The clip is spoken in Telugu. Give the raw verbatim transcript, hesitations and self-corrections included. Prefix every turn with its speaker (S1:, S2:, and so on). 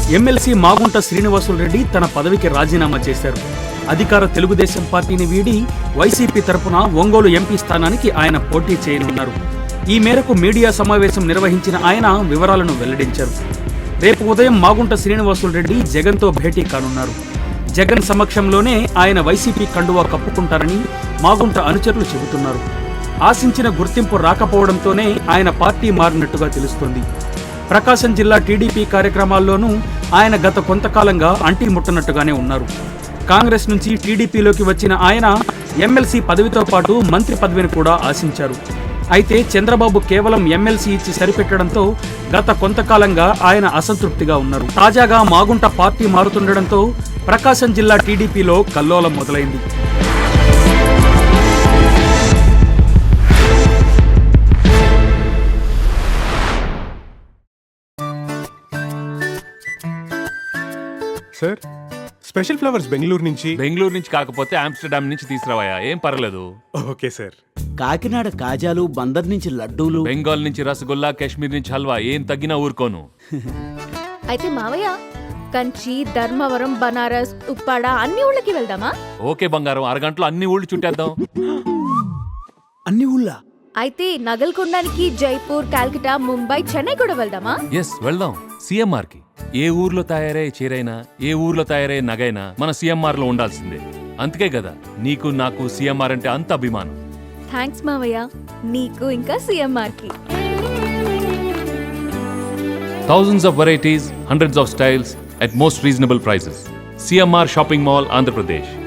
S1: ఎమ్మెల్సీ మాగుంట శ్రీనివాసులు రెడ్డి తన పదవికి రాజీనామా చేశారు. అధికార తెలుగుదేశం పార్టీని వీడి వైసీపీ తరపున ఒంగోలు ఎంపీ స్థానానికి ఆయన పోటీ చేయనున్నారు. ఈ మేరకు మీడియా సమావేశం నిర్వహించిన ఆయన వివరాలను వెల్లడించారు. రేపు ఉదయం మాగుంట శ్రీనివాసులు రెడ్డి జగన్తో భేటీ కానున్నారు. జగన్ సమక్షంలోనే ఆయన వైసీపీ కండువా కప్పుకుంటారని మాగుంట అనుచరులు చెబుతున్నారు. ఆశించిన గుర్తింపు రాకపోవడంతోనే ఆయన పార్టీ మారినట్టుగా తెలుస్తోంది. ప్రకాశం జిల్లా టీడీపీ కార్యక్రమాల్లోనూ ఆయన గత కొంతకాలంగా అంటి ముట్టనట్టుగానే ఉన్నారు. కాంగ్రెస్ నుంచి టీడీపీలోకి వచ్చిన ఆయన ఎమ్మెల్సీ పదవితో పాటు మంత్రి పదవిని కూడా ఆశించారు. అయితే చంద్రబాబు కేవలం ఎమ్మెల్సీ ఇచ్చి సరిపెట్టడంతో గత కొంతకాలంగా ఆయన అసంతృప్తిగా ఉన్నారు. తాజాగా మాగుంట పార్టీ మారుతుండటంతో ప్రకాశం జిల్లా టీడీపీలో కల్లోలం మొదలైంది.
S2: సార్, స్పెషల్ ఫ్లవర్స్ బెంగళూరు నుంచి.
S3: బెంగళూరు నుంచి కాకపోతే ఆమ్స్టర్డామ్ నుంచి తీసుకురావా, ఏం పర్లేదు.
S2: Okay sir.
S4: కాకినాడ కాజాలు, బందర్ నుంచి లడ్డూలు,
S3: బెంగాల్ నుంచి రసగుల్లా, కాశ్మీర్ నుంచి హల్వా, ఏం తగ్గినా ఊరుకోను.
S5: అయితే మావయ్య, కంచి, ధర్మవరం, బనారస్, ఉప్పాడ అన్ని ఊళ్ళకి వెళ్దామా?
S3: ఓకే బంగారం, అరగంటలో అన్ని ఊళ్ళు చుట్టేద్దాం.
S4: అన్ని ఊళ్ళ.
S5: అయితే నగలు కొనడానికి జైపూర్, కాల్కటా, ముంబై, చెన్నై కూడా వెళ్దామా?
S3: ఎస్, వెళ్దాం. సిఎంఆర్ కి ఏ ఊర్లో తయారయ్యే చీరైనా, ఏ ఊర్లో తయారయ్యే నగైనా మన సిఎంఆర్ లో ఉండాల్సిందే. అందుకే కదా నీకు నాకు సిఎంఆర్ అంటే అంత అభిమానం.
S5: థ్యాంక్స్ మావయ్య, నీకు ఇంకా సిఎంఆర్ కి.
S3: Thousands of varieties, hundreds of styles at most reasonable prices. C M R Shopping Mall, Andhra Pradesh.